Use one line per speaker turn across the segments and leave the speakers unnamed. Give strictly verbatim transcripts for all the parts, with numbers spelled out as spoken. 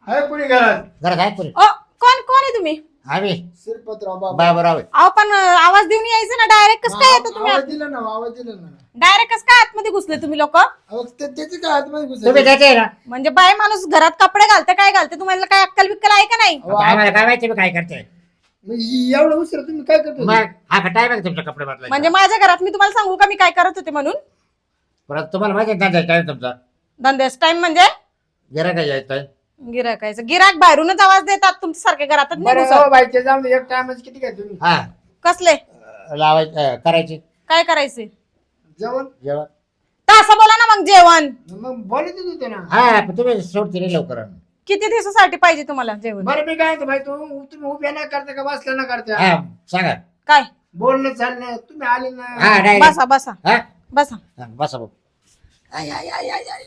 आहे कोणी घरात?
घरात आहे पुरी.
ओ कोण कोण आहे तुम्ही?
आम्ही
शिरपतराव बाबा.
बाबूराव आहे.
अहो पण अं, आवाज देऊन यायचं ना डायरेक्ट कसं काय येतो तुम्ही?
आवाज दिला ना आवाज दिला ना.
डायरेक्ट कसं काय आतमध्ये घुसले तुम्ही लोक?
अहो ते- त्याचे काय आतमध्ये घुसायचं?
तुम्ही त्याचे आहे ना.
म्हणजे बाय माणूस घरात कपडे घालते काय घालते तुम्हाला काय अक्कल बिक्कल आहे का नाही?
अहो,
आता आम्हाला काय माहिती मी काय करते.
मग इ- एवढं उशीर तुम्ही काय करतो?
मग हा का टाइम आहे का तुमचे कपडे बदलायचा?
म्हणजे माझ्या घरात मी तुम्हाला सांगू का मी काय करत होते म्हणून?
परत तुम्हाला माहिती आहे ना टाइम तुमचा
धंद्याच टाइम म्हणजे
गिरा काय यायचं.
गिराकायचं गिराक बाहेरूनच आवाज देतात तुमच्या सारख्या घरातच नाही
बरं
घुसत.
हो बाईचे जाऊन दे, एक टायमच किती काय तुम्ही
हा
कसले
लावायचं करायची
काय करायचे?
जेवण?
जेवण.
तर असं बोला ना मग जेवण
मग बोलत होते ना.
हा पण तुम्ही सोडते रे लवकर.
किती दिवसासाठी पाहिजे तुम्हाला जेवण?
बरं मी काय म्हणतो भाई, तू तुम्ही उभ्या नाही करता का बसल्या ना करता?
हा सांगा.
काय
बोलणं चालणं तुम्ही आले ना.
हा नाही
बसा बसा
हा
बसा
हा, बसा भाऊ. आय, आय, आय, आय, आय.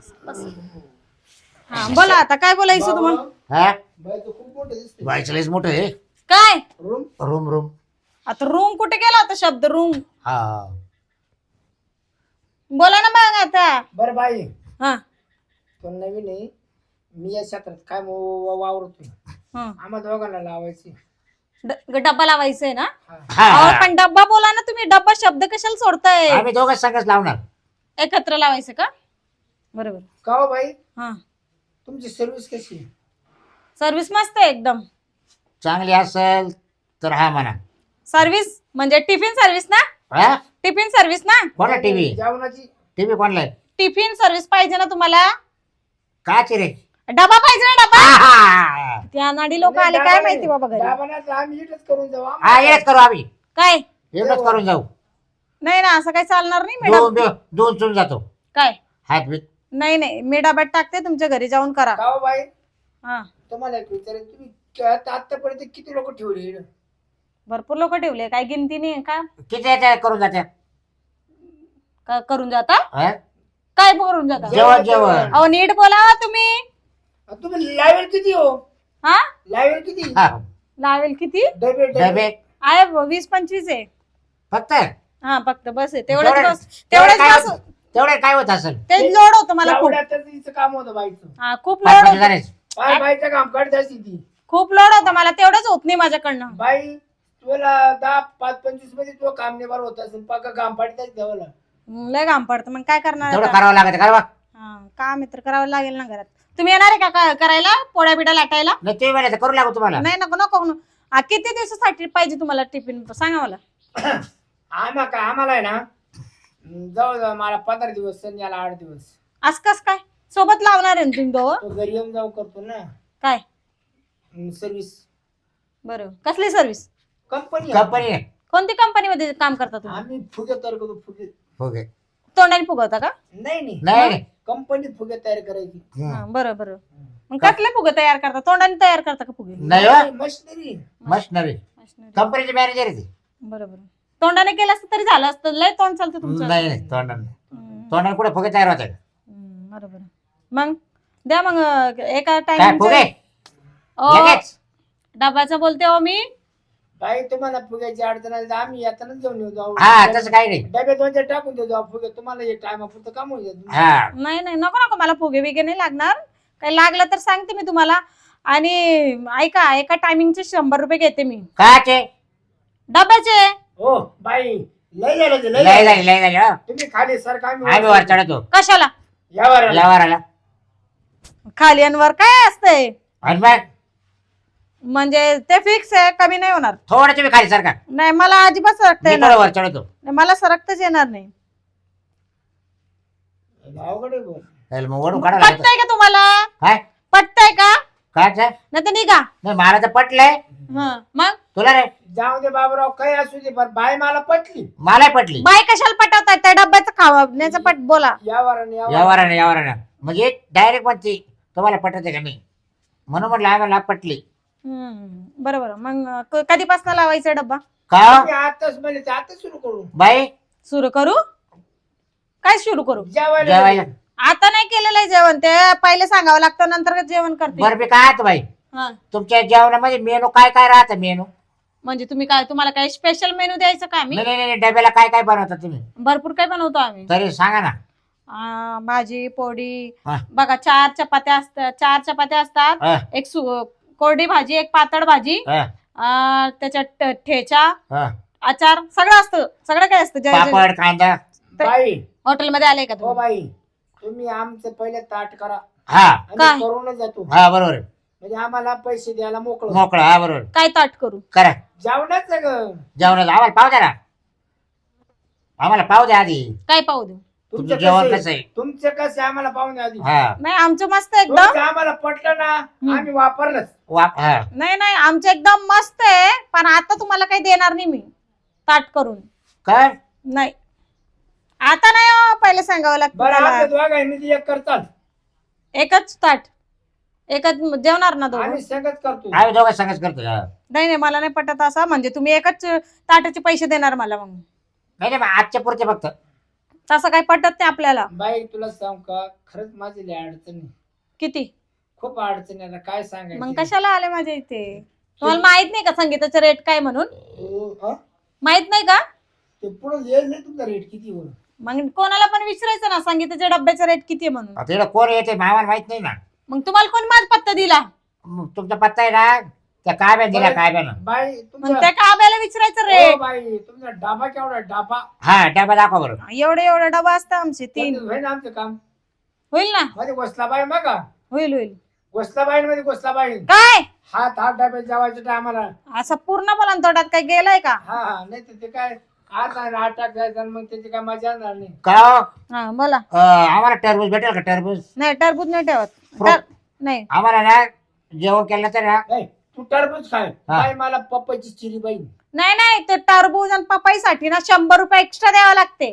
हा बोला आता काय बोलायचं तुम्हाला?
हा
बाईचं खूप मोठं दिसते.
बायचं लयच मोठं आहे.
काय
रूम
रूम रूम.
आता रूम कुठे गेला होता शब्द रूम?
हा
बोला ना मग आता.
बरं बाई,
हा
तो नवीन आहे. मी या क्षेत्रात काय व- वावरतो.
हा.
आम्हा दोघांना लावायची.
ड- डब्बा लावायचंय ना?
हा
अहो,
हा.
पण डब्बा बोला ना तुम्ही. डब्बा शब्द कशाला सोडताय?
आम्ही दोघं संघच लावणार.
एकत्र लावायचं का? बरोबर.
का हो बाई,
हा
तुमची सर्व्हिस कशी आहे?
सर्व्हिस मस्त आहे एकदम.
चांगली असेल तर हा म्हणा.
सर्व्हिस म्हणजे टिफिन सर्व्हिस ना?
हा
टिफिन सर्व्हिस ना?
कोणा टीव्ही
जेवणाची
टीव्ही कोणला आहे?
टिफिन सर्व्हिस पाहिजे ना तुम्हाला?
काची रे?
डबा पाहिजे ना डबा?
हा, हा.
त्या नाडी लोक आले काय माहिती बाबा घरी.
दाबानाचं आम्ही इथंच करून जाऊ.
हा
आम्हाला
येच करू आम्ही.
काय
एवढंच करून जाऊ.
नाही ना असं काही चालणार नाही
दोन
मॅडम.
दोन दोन चून जातो
काय
हात बीत.
नाही नाही मी डब्यात टाकते तुमच्या घरी जाऊन करा.
का हो बाई,
हा
तुम्हाला एक विचारायचं, तुम्ही क- आतापर्यंत किती लोक ठेवले इकडं?
भरपूर लोक ठेवले काय गिनती नाही का?
किती याच्या करून जात्या?
का करून जाता?
हा?
काय करून जाता?
जेवण जेवण.
अहो नीट बोला तुम्ही.
अ, तुम्ही लावेल किती हो?
हा
लावेल किती?
हा.
लावेल किती
डबे डबे
डबे
आहे? वीस पंचवीस आहे.
फक्त
हा फक्त बस आहे तेवढंच
तेवढे-
बस
तेवढे
तेवढंच
काय
बस.
होत- तेवढे काय होत असेल?
ते लोड होतं मला खूप.
लावण्यातच हिचं काम होतं बाईचं.
हा खूप
पाच
लोड
पाच
होतं.
जणांचे.
बाय बाईचं काम काढत असते ती.
खूप लोड होतं मला तेवढंच होत नाही माझ्याकडनं.
बाई तुला दहा पाच पंचवीस मध्ये तो काम निभार होत असेल, पक्का काम पाडताच द्यावं.
हं, लय घाम पडतं मग काय करणार
तेवढं
आता?
करावं लागत का बा?
हा काम मित्र करावं लागेल ना घरात. तुम्ही येणार आहे का का- करायला पोळ्या बिड्या लाटायला?
नाही तुम्ही म्हणायचं करू लागू तुम्हाला.
नाही नको नको नको. हा, किती दिवसासाठी पाहिजे तुम्हाला टिफिन सांगा मला.
आम्हा काय आम्हाला आहे ना, जाऊ जाऊ मला पंधरा दिवस संध्याला आठ दिवस
आज कस काय सोबत लावणार आहे ना तुम्ही दोघं?
तो घरी येऊन जाऊ करतो ना
काय
सर्व्हिस.
बरं कसली सर्व्हिस?
कंपनी
कंपनी आहे.
कोणती कंपनीमध्ये काम करता तुम्ही?
आम्ही फुगे तयार करतो. फुगे
ओके.
तोंडाने फुगवता का?
नाही नाही
नाही
कंपनी फुगे तयार करायची.
हं.
हा, बरं बरं. मग कसले फुगे तयार करता? तोंडाने तयार करता का फुगे?
नाही हो.
मशिनरी.
मशनरी कंपनीचे मॅनेजर आहे ते.
बरं बरं. तोंडाने केलं असतं तरी झालं असतं. लय तोंड चालतं तुमचं.
नाही नाही तोंडाने
हं,
तोंडाने कुठे फुगे तयार होते?
हं, बरं बरं. मग द्या मग अं, एका
काय फुगे
टाइम
लगेच?
डब्याचं बोलते हो मी.
काही तुम्हाला फुग्याची अडचण आली तर आम्ही येतानाच घेऊन येऊ जाऊ.
हा तसं काही नाही.
डब्यात दोन चार टाकून देऊ जाऊ फुगे. तुम्हाला एक टायमापुरतं काम होईल.
हा
नाही नाही नको नको मला फुगे बिगे नाही लागणार. काही लागलं तर सांगते मी तुम्हाला. आणि ऐका एका टायमिंगचे शंभर रुपये घेते मी
काचे?
डब्याचे.
हो बाई लय झालं ते, लय
लय
झालं.
झाली लय झाली हो.
तुम्ही खाली सर का
आम्ही वर चढतो
कशाला?
यावर आला.
यावराला.
खाली आणि वर काय असतंय?
आणि मग
म्हणजे ते फिक्स आहे कमी नाही होणार.
थोडं तुम्ही खाली सरका.
नाही मला अजिबात सरकता
मी
येणार
थोडं वर चढतो.
नाही. मला सरकताच येणार नाही.
अवघड आहे बुवा.
त्याला मग वडून काढावं लागतं.
पटतंय का तुम्हाला?
काय
पटतंय का?
काच?
नाही तर निघा.
नाही मला तर पटलंय.
हं, मग
तुला रे?
जाऊ दे बाबूराव काही असू दे, पण बाई मला पटली.
मला पटली.
बाई कशाला पटवताय? त्या डब्याचं खाण्याचं पट बोला.
यावर आणि यावर.
यावरानं यावरानं म्हणजे डायरेक्ट म्हणते तुम्हाला पटत का नाही म्हणून म्हटलं आम्हाला पटली.
हम्म बरोबर. मग क- कधीपासून लावायचा डब्बा?
का
तुम्ही आताच म्हणजे ते आता सुरू करू.
बाई
सुरू करू? काय सुरू करू?
जेवायला
जेवायला
आता नाही केलेलं आहे जेवण. ते पहिले सांगावं लागतं नंतर जेवण करते.
बरं मी काय बाई
हा
तुमच्या जेवणामध्ये मेनू काय काय राहतं मेनू?
म्हणजे तुम्ही काय तुम्हाला काय स्पेशल मेनू द्यायचं का आम्ही?
नाही नाही नाही, डब्याला काय काय बनवता तुम्ही
भरपूर काय बनवतो आम्ही.
तरी सांगा ना.
अं, भाजी पोळी
हा.
बघा चार चपात्या असतात चार चपात्या असतात
हा,
एक सु- कोरडी भाजी एक पातळ भाजी
हा,
अं, त्याच्यात ट- ठेचा
हा.
आचार सगळं असतं सगळं काय असतं जे- जे-
पापड कांदा
बाई
हॉटेलमध्ये आले का
हो
तुम्ही
बाई तुम्ही आमचं पहिले ताट करा
हा
काय?
आम्ही करूनच जातो
हा बरोबर आहे.
म्हणजे आम्हाला पैसे द्यायला मोकळं
मोकळा हा बरोबर
काय ताट करू
करा
जेवणाच ग
जेवणाचं आम्हाला पाव द्या ना आम्हाला पाव द्या आधी
काय पाहू देऊ
तुमचं
तुमचं
जेवण
कसं
कसं
आहे?
आहे
तुमचं कसं आहे आम्हाला पाहून आधी
हा
नाही आमचं मस्त एकदम
तुमचं आम्हाला पटलं ना आम्ही वापरलंच
वा हा
नाही नाही आमचं एकदम मस्त आहे पण आता तुम्हाला काही देणार नाही मी ताट करून
काय
नाही आता नाही हो, पहिले सांगावं लागतं
बरं
मला.
आमच्या दोघांनी एक करतात
एकच ताट एकच जेवणार ना दोघं
आम्ही सगळंच करतो
आम्ही दोघं संगच करतो हा.
नाही नाही मला नाही पटत असं म्हणजे तुम्ही एकच ताटाचे पैसे देणार मला मग
नाही नाही मग आजच्या पुरते फक्त
तसं काही पटत नाही आपल्याला
बाई तुला सांग का खरंच माझी लय अडचण आहे.
किती
खूप अडचण आहे आता काय
मग
सांगायचं
कशाला आले माझ्या इथे तुम्हाला माहित नाही का संगीताचे रेट काय म्हणून
हो, हं?
माहित नाही का
ते पुढे येईल नाही तुमचा रेट किती होईल
मग कोणाला पण विचारायचं ना संगीताच्या डब्याचा रेट किती आहे म्हणून
आता इकडं कोण येते मामाला माहित नाही ना
मग तुम्हाला कोण माझा पत्ता दिला
मग तुमचा पत्ता आहे ना त्या काव्या दिला काव्यानं
बाई
मग
तुमचा
त्या काब्याला विचारायचं
हो
रेट
बाई तुमचा डाबा केवढा डाबा
हा डबा दाखवा बरं
एवढे एवढे डबा असतात आमचे तीन
होईल ना आमचं काम
होईल ना
मध्ये गोसलाबाई बघा
होईल होईल
गोसलाबाई मध्ये गोसलाबाई
काय
हात हात डब्यात जेवायच्या टायमाला
असं पूर्ण बोला तोंडात काय गेलाय का
हा हा नाही तर ते काय आज आठ टाक जायचं आणि मग त्याची काय मजा येणार नाही
का हो?
हा बोला
अं, आम्हाला टरबूज भेटेल का टरबूज
नाही टरबूज नाही ठेवत
फ्रूट.
टर- नाही
आम्हाला ना जेवण केलं तर ना
नाही तू टरबूज खाय बाई मला पप्पाची चिरी बाई
नाही नाही ते टरबूज आणि पपईसाठी ना शंभर रुपये एक्स्ट्रा द्यावं लागते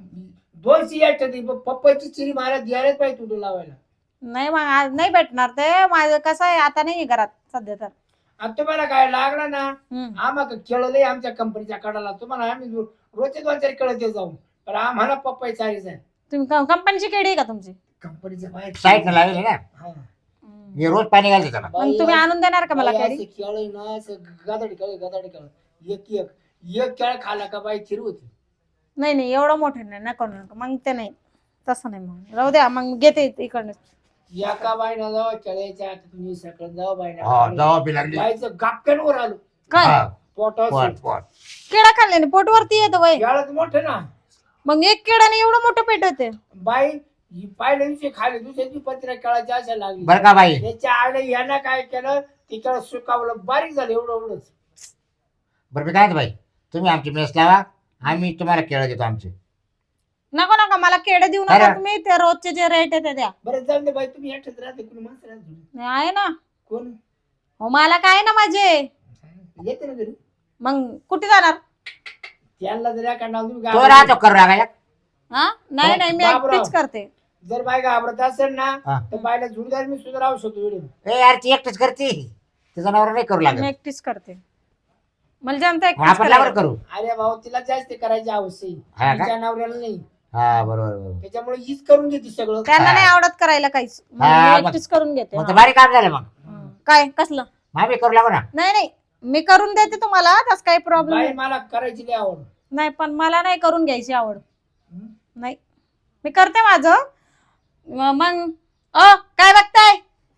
दोन सियाट पप्पाची चिरी मला द्यायलाच पाहिजे तुला लावायला
नाही मग आज नाही भेटणार ते माझं कसं आहे आता नाही घरात सध्या तर
आणि तुम्हाला काय लागला ना
हम्म.
आम्हाला खेळलंय आमच्या कंपनीच्या कडाला तुम्हाला आम्ही रो- रोजचे दोन चार खेळत जाऊ पण आम्हाला पप्पाई चाळीस आहे
तुम्ही कंपनीची केडी आहे का तुमची
कंपनीच्या बाहेर
साईड लावले ना
हा.
हे रोज पाणी घालते त्याला
मग तुम्ही आणून देणार का मला
बाई
केडी
असं खेळ ना असं गादाडी खेळ गादाडी खेळ एक एक एक खेळ खाला का बाई चिर होती
नाही नाही एवढं मोठं नाही नको नको मग ते नाही तसं नाही मग राहू द्या मग घेते इकडनं
एका बाईनं जाऊ खेळायच्या आता तुम्ही सकाळी जाऊ
हा
बाईना
जावा बी लागली
बाईचं गापक्यावर आलो
काय
हा,
पोटावर
पोट पोट
केळा खाल्ल्याने पोटवरती येतं वय
खेळत मोठं ना
मग एक केळाने एवढं मोठं पेट होते
बाई ही पहिल्या दिवशी खाली दुसऱ्या दिवशी पत्रिका खेळायची अशा लागली
बरं का बाई
त्याच्या आईने यानं काय केलं तिकडं सुकावलं बारीक झालं एवढं एवढंच
बरं मी काय म्हणतो बाई तुम्ही आमची मेस लावा आम्ही तुम्हाला केळं देतो आमचे
नको नका मला केडे देऊ नका
बरं.
तुम्ही ते रोजचे जे रेट आहे ते द्या
बरं जाऊन दे बाई तुम्ही एकटेच राहते कोणी माणसं राहते
नाही आहे ना
कोण
हो मला काय ना माझे
येते ना घरी
मग कुठे जाणार
त्यांना जर एका नाव तुम्ही
तो
घाबरत-
राहतो करू लागायला
हा नाही नाही मी
बापराव.
एकटीच करते
जर बाई घाबरत असेल ना
हा.
तर बायला जुडदार मी सुद्धा राहू शकतो व्हिडिओ
ए यार ती एकटीच करते तिचा नवरा नाही करू
मी
लागत
एकटीच करते मला जमतं
मग
एकटीच
आपण
करायला.
लावर करू
अरे भाऊ तिला जास्त करायची आवश्यक
हा का?
तिच्या नवऱ्याला नाही
हा बरोबर बरोबर
त्याच्यामुळे हीच करून घेते सगळं
त्यांना
हा.
नाही आवडत करायला काहीच मग
हा,
मी
मग-
एकटीच करून घेते
मग
हा.
तर भारी काम झालं मग
हं. काय कसलं
मग आम्ही करू लागू ना
नाही नाही मी करून देते तुम्हाला त्याच काही प्रॉब्लेम
बाई मला करायची लई आवड
नाही पण मला नाही करून घ्यायची आवड
हं?
नाही मी करते माझं म- मग अ काय बघताय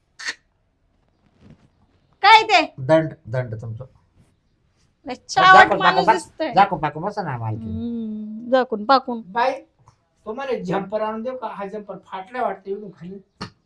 काय ते
दंड दंड तुमचं
लय चावट
जाकून
माणूस
पाकून
दिसतोय
बस- जाकून पाकून बसा ना मालकी
हम्म, झाकून पाकून
बाई तुम्हाला झंपर आणून देऊ का हा झंपर फाटलाय वाटतं इकडून खाली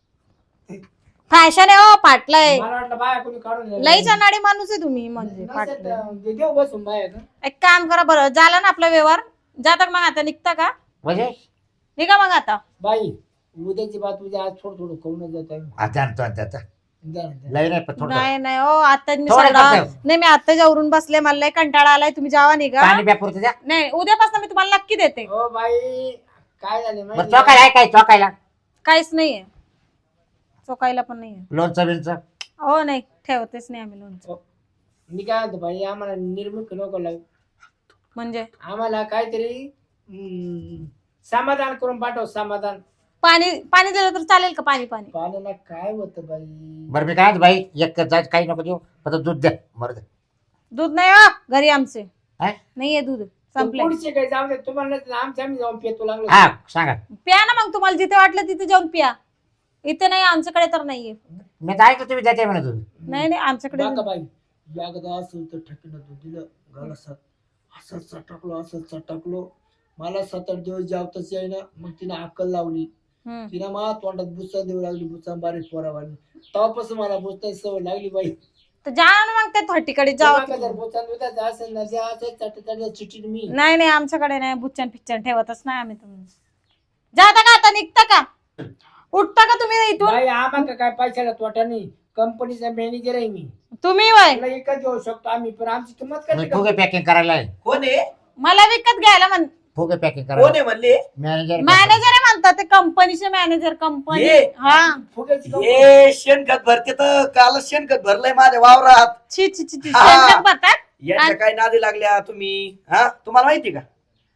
फॅशन आहे हो पाटलंय
मला वाटलं बाया कोणी काढून नेलं.
लईच अनाडी माणूस आहे तुम्ही म्हणजे
नसेल
पाटलं
तर दे- देऊ बसून बाया का
एक काम करा बरं झालं ना आपला व्यवहार जाता का मग आता निघता का
म्हणजे
निघा मग आता
बाई उद्याची बात उद्या आज थोडं थोडं करूनच जात आहे
आता आणतो आणतो आता
द्या ना, द्या.
लय नाही पण थोडं
नाही नाही हो आता मी
थोडं
सगळं
करतो.
नाही मी आता जावरून बसले मला लय कंटाळा आलाय तुम्ही जावा निघा
पाणी प्या पुरतं द्या
नाही उद्यापासून मी तुम्हाला नक्की देते
हो बाई काय झाले
बरं
माहिती
चौकायला आहे काय चौकायला
काहीच नाहीये चोकायला पण नाहीये
लोणचं बिनचं
हो नाही ठेवतेच नाही आम्ही लोणचं
हो. मी काय म्हणतो बाई आम्हाला निर्मुख नको लागू
म्हणजे
आम्हाला काहीतरी हम्म, समाधान करून पाठव समाधान
पाणी पाणी दिलं तर चालेल का पाणी पाणी
पाण्याला काय होतं बाई
बरं मी काय म्हणतो बाई एक जायचं काही नको देऊ फक्त दूध द्या बरं द्या
दूध नाही हो घरी आमचे
हा?
नाहीये दूध संपले
पुढचे काही जाऊ दे तुम्हाला नाही तर आमच्या आम्ही जाऊन पेतो लागलो
हा सांगा.
प्या ना मग, तुम्हाला जिथे वाटलं तिथे जाऊन प्या. इथे नाही, आमच्याकडे तर नाहीये.
मी तर ऐकलं तुम्ही देते म्हणत होते.
नाही नाही आमच्याकडे
बघा बाई एकदा असं तर ठेकीनं तू दिलं गाला सात असं चटकलो असं चटकलो मला सात आठ दिवस जेवताच येईना. मग तिने अक्कल लावली.
हम्म.
तिने मला तोंडात बुसा देऊ लागली, बुसा बारीक पोरावानी. तेव्हापासून मला बुसताची सवय लागली बाई.
तर जा ना मग त्या थर्टीकडे जावा
जर
तुम्ही.
बुचा दुधाचं असेल ना जे असेल चट चट चिटीन मी
नाही नाही आमच्याकडे नाही, बुच्चन पिच्चन ठेवतच नाही आम्ही. तुम्ही जाता का आता, निघता का, उठता का तुम्ही इथून?
बाई आम्हाला काय पैशाला तोटा नाही. कंपनीचा मॅनेजर आहे मी.
तुम्ही वय
तुला एकच घेऊ शकतो आम्ही, पण आमची किंमत
मी
कशी
फुगे पॅकिंग करायला आहे.
कोण आहे
मला विकत घ्यायला म्हण.
फुगे पॅकिंग
कोण
करायला
आहे म्हणले
मॅनेजर.
मॅनेजर आहे म्हणतात ते, कंपनीचे मॅनेजर. कंपनी
ये.
हा.
फुग्याची कंपनी.
हे शेणखत भरते तर कालच शेणखत भरलंय माझ्या वावरात.
छी छी छी छी,
हा.
शेणखत भरतात.
याच्या काय नादी लागल्या तुम्ही? हा तुम्हाला माहिती का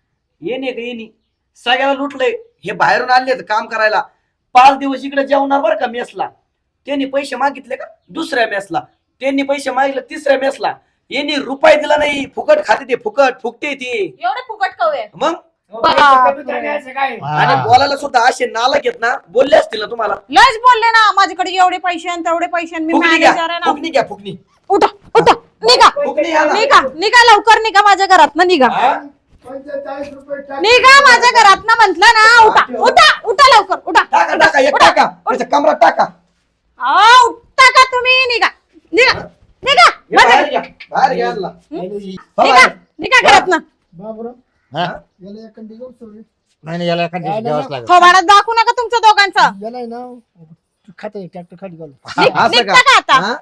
येणे का येणे सगळ्याला लुटलंय. हे बाहेरून आणले काम करायला. पाच दिवस इकडे जेवणार बरं का मेसला. त्यांनी पैसे मागितले का दुसऱ्या मेसला, त्यांनी पैसे मागितले तिसऱ्या मेसला. यांनी रुपये दिला नाही. फुकट खाते ते, फुकट फुकटे ते.
एवढे फुकट कवे
मग
हो, पैसे कमी झाले असं काय
आणि बोलायला सुद्धा असे नालायक आहेत ना, बोलले असतील ना तुम्हाला.
लयच बोलले ना, माझ्याकडे एवढे पैसे आणि तेवढे पैसे आणि मी
फुकणी
मॅनेजर
घ्या
आहे ना.
फुकणी घ्या फुकणी.
उठा उठा, निघा
फुकणी घ्या ना.
निघा निघा, लवकर निघा माझ्या घरात ना, निघा
हा?
पंचेचाळीस रुपये टाक.
निघा माझ्या घरात ना म्हंटल ना. उठा उठा उठा, लवकर उठा.
टाका टाका एक टाका त्याच्या कमरात टाका.
अहो, उठता का तुम्ही? निघा निघा निघा
हे बाहेर घ्या बाहेर घ्या यांना. हो,
निघा
बाहेर.
निघा घरात ना.
बाबूराव,
हा?
याला एखादी घेऊ सोडली.
नाही नाही, याला एखाद दिवशी द्यावंच लागेल.
थोबाडात दाखवू नका तुमच्या दोघांचं.
याला आहे ना खाते ट्रॅक्टर खाली घालू.
निघ-
असं
निघता का आता?
हा?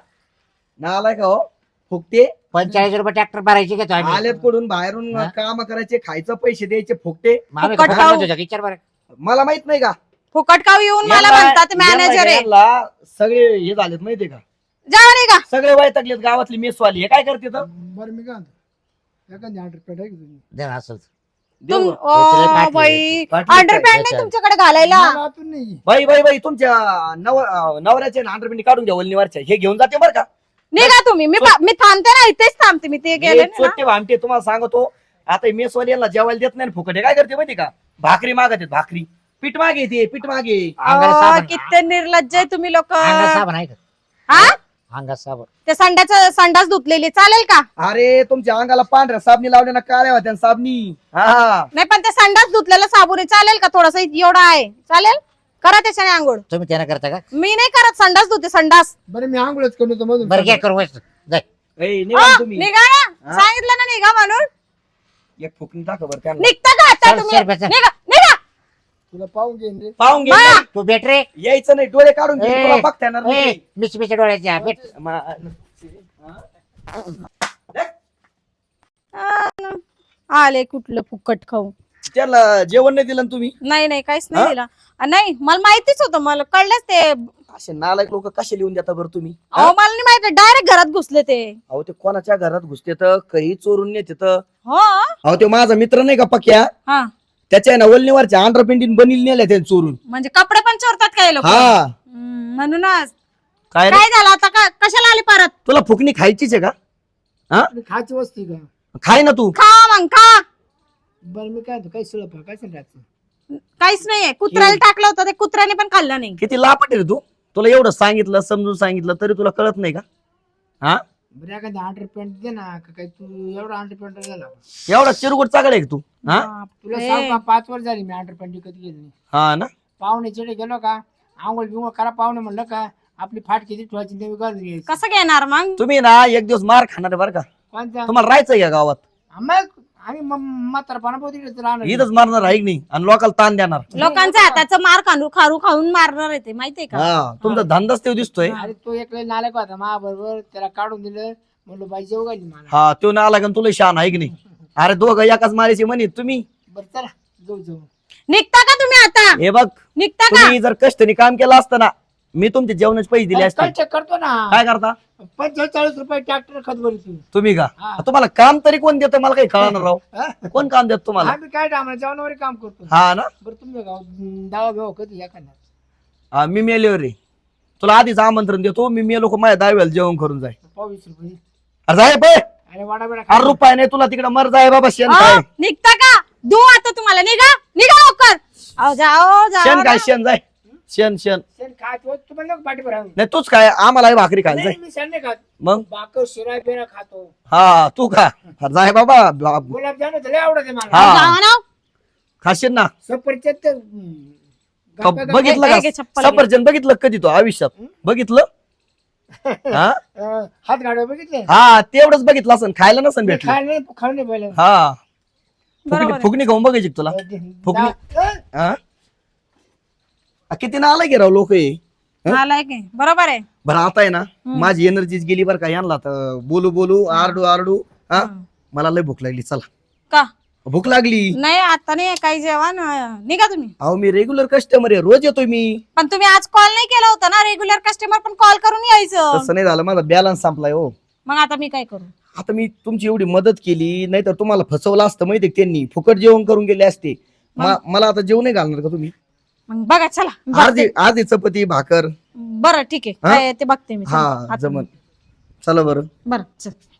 नालाय का हो फुकटे
पंचेचाळीस रुपये ट्रॅक्टर भरायचे घेतो आम्ही.
आलेत कडून बाहेरून
हा?
काम करायचे, खायचं पैसे द्यायचे फुकटे.
मग आम्ही
फुकट
फुकट
खाऊ.
देतो, विचार बरं.
मला माहित नाही का
फुकट काव येऊन मला
यांना-
म्हणतात मॅनेजर आहे.
यांना सगळे हे झालेत माहितीये का,
जा निघा.
सगळे वैतागलेत गावातली मेसवाली. हे काय करते तर
बरं मी काय म्हणतो एखादी आठ रुपये टाक तुम्ही.
दे ना असंच.
देऊ
तुम-
का?
याच्याला
ओ
पाटली
बाई,
पाटली
अंडरपॅन्ट
काय?
नाही तुमच्याकडे घालायला.
मला आतून नाही.
बाई बाई बाई तुमच्या नव नवऱ्याचे अंडरपिंडी काढून घ्या वल्लीवरच्या. हे घेऊन जाते बरं का.
निघा तुम्ही. मी पा- मी थांबते ना, इथेच थांबते मी. ते गेले
हे
ना.
चोट्टे भामटे तुम्हाला सांगतो. आता हे मेसवाली यांना जेवायला देत नाही ना फुकट. हे काय करते माहिती का, भाकरी मागत आहेत, भाकरी. पीठ मागे ते पीठ मागे.
अंगाला
अहो,
साबण.
किती निर्लज्ज आहे तुम्ही लोक.
अंगात साबण आहे का?
हा,
अंगात साबण.
ते संडाचं संडास धुतलेली चालेल का?
अरे तुमच्या अंगाला पांढऱ्या साबणी लावल्या ना, काळ्या होत्या ना साबणी. हा
नाही पण ते संडास धुतलेला साबण आहे, चालेल का? थोडासा एवढा आहे, चालेल? करा त्याच्याने आंघोळ.
तुम्ही त्यानं करता का?
मी नाही करत, संडास धुते संडास.
बरं मी आंघोळच करतो तो मधून.
बरं घ्या करू वैस. जाय.
ए, निघा
अ,
ना तुम्ही.
निघा ना.
हा?
सांगितलं ना निघा म्हणून.
एक फुकणी टाका बरं त्यांना.
निघता का आता
चल,
तुम्ही?
चल, बस.
निघा निघा.
तुला पाहून घेईन रे.
पाहून घे.
बा.
तू भेट रे.
यायचं नाही, डोळे काढून घे.
ए,
तुला बघता येणार
ए,
नाही.
मिच मिच डोळ्याच्या भेट.
मा-
आले कुठलं फुकट खाऊ.
त्याला जेवण नाही दिलं ना तुम्ही.
नाही नाही काहीच नाही
हा?
दिला. अ, नाही मला माहितीच होतं, मला कळलंच ते.
असे नालायक लोक कसे लिहून देता बरं तुम्ही?
अहो मला नाही माहिती, डायरेक्ट घरात घुसले ते.
अहो ते कोणाच्या घरात घुसते तर काही चोरून नेते तर.
हो.
अहो ते माझा मित्र नाही का पक्या,
हा,
त्याच्या ना वल्लीवरच्या आंध्रपिंडीन बनील नेल्या त्याने चोरून.
म्हणजे कपडे पण चोरतात काय लोक.
हा
म्हणूनच
काय रे?
काय झालं आता? का कशाला आली परत?
तुला फुकणी खायचीच आहे का?
आपली खायची वस्ती का?
खाय ना तू.
खा मग खा.
बरं मी काय म्हणतो काही सुलभ काय सांगायचं.
काहीच नाहीये. कुत्र्याला टाकलं होतं, ते कुत्र्याने पण खाल्लं नाही.
किती लापट आहे रे तू. तुला एवढं सांगितलं समजून सांगितलं तरी तुला कळत नाही का? हा
बरं एखादी अंडर पॅन्ट दे ना का काही तू एवढा अंडर पॅन्ट झाला.
एवढा चिरगुट चागड आहे का तू? हा
तुला
बापरे.
सांग का पाच वर्ष झाली मी अंडर पॅन्ट विकत गेली नाही.
हा ना.
पाहुणे चिडे गेलो का आंघोळ बिंघोळ करा पाहुणे म्हणलं का आपली फाट किती ठेवायची ते घालून घ्यायची.
कसं घेणार मग?
तुम्ही ना एक दिवस मार खाणार आहे बरं का.
कोणता
तुम्हाला राहायचं या गावात.
मग आम्ही म्हातारपणा पोहोच राहणार.
इथंच मारणार आहे की नाही आणि लोकांना ताण देणार.
लोकांच्या हाताचं मार खाणू खारू खाऊन मारणार आहे ते, माहितीये का?
हा तुमचा धंदाच ते दिसतोय.
अरे तो एक लय नालायक होता मा बरोबर त्याला काढून दिलं म्हणलं बाई जेव घाली मला.
हा तो ना आला का तुला शान आहे की नाही? अरे दोघं एकाच मारायची म्हणे तुम्ही.
बरं चला जाऊ जाऊ.
निघता का तुम्ही आता?
हे बघ
निघता का?
तुम्ही जर कष्टाने काम केलं असतं ना, मी तुमचे जेवणाचे पैसे दिले असते.
काय check करतो ना
काय करता
पंचेचाळीस रुपये ट्रॅक्टर खत भरी तू.
तुम्ही का?
हा.
तुम्हाला काम तरी कोण देतं मला काही कळणार राव.
हा?
कोण काम देत तुम्हाला?
आम्ही काय आम्हाला जेवणावर काम करतो.
हा ना.
बरं तुम्ही गाव दावा घेऊ कधी एखादा.
हा, मी मेल्यावर रे तुला आधीच आमंत्रण देतो. मी मेलो का माझ्या दहाव्याला जेवण करून जाय.
पावीस रुपये
अरे जाय बे.
अरे वाडा बेडा
अरे रुपये नाही तुला तिकडे मर जाय बाबा शेण
अहो,
काय
निघता का दू आता तुम्हाला निघा निघा लवकर अहो जाओ
शेण
जाओ
काय शेण जाय शेण शेण
शेण खातो तुम्हाला लोक पाठी भरावं
नाही तूच काय आम्हाला ही भाकरी खायला जाय
नाही मी शेण नाही खात
मग
बाकर शिरा बिरा खातो
हा तू खा जाय बाबा बा-
गुलाबजाम लय आवडते मला
हा.
जाओ ना
खाशील ना
सफरचंद तर, हम्म,
का
गप्पा-
बघितलं
घे, घे,
का
चप्पल घे.
सफरचंद बघितलं कधी तो आयुष्यात बघितलं हा
अं, हात गाडव बघितले
हा तेवढंच बघितलं असं खायला नसन भेटलं
खायला नाही खाऊ नाही पहिले
हा
बरोबर
फुगणी
आहे.
फुगणी खाऊन बघायची का तुला फुगणी
अं,
हा आ, किती ना आलं की राव लोक हं?
आलाय की बरोबर आहे
बरं आता आहे ना माझी एनर्जीच गेली बरं का यांना तर बोलू बोलू आरडू आरडू हा मला लय भूक लागली चला
का
भूक लागली
नाही आता नाही काही जेवण अं, निघा तुम्ही
अहो मी रेग्युलर कस्टमर आहे रोज येतोय मी
पण तुम्ही आज कॉल नाही केला होता ना रेग्युलर कस्टमर पण कॉल करून यायचं
तसं नाही झालं माझा बॅलन्स संपलाय हो
मग आता मी काय करू
आता मी तुमची एवढी मदत केली नाही तर तुम्हाला फसवलं असतं माहिती आहे का त्यांनी फुकट जेवण करून गेले असते मा- मला आता जेवण नाही घालणार का तुम्ही
मग बघा चला
अर्धी अर्धी चपाती भाकर
बरं ठीक आहे
हा?
काय ते बघते मी चला,
हा
आता-
जमन चला बरं
बरं चल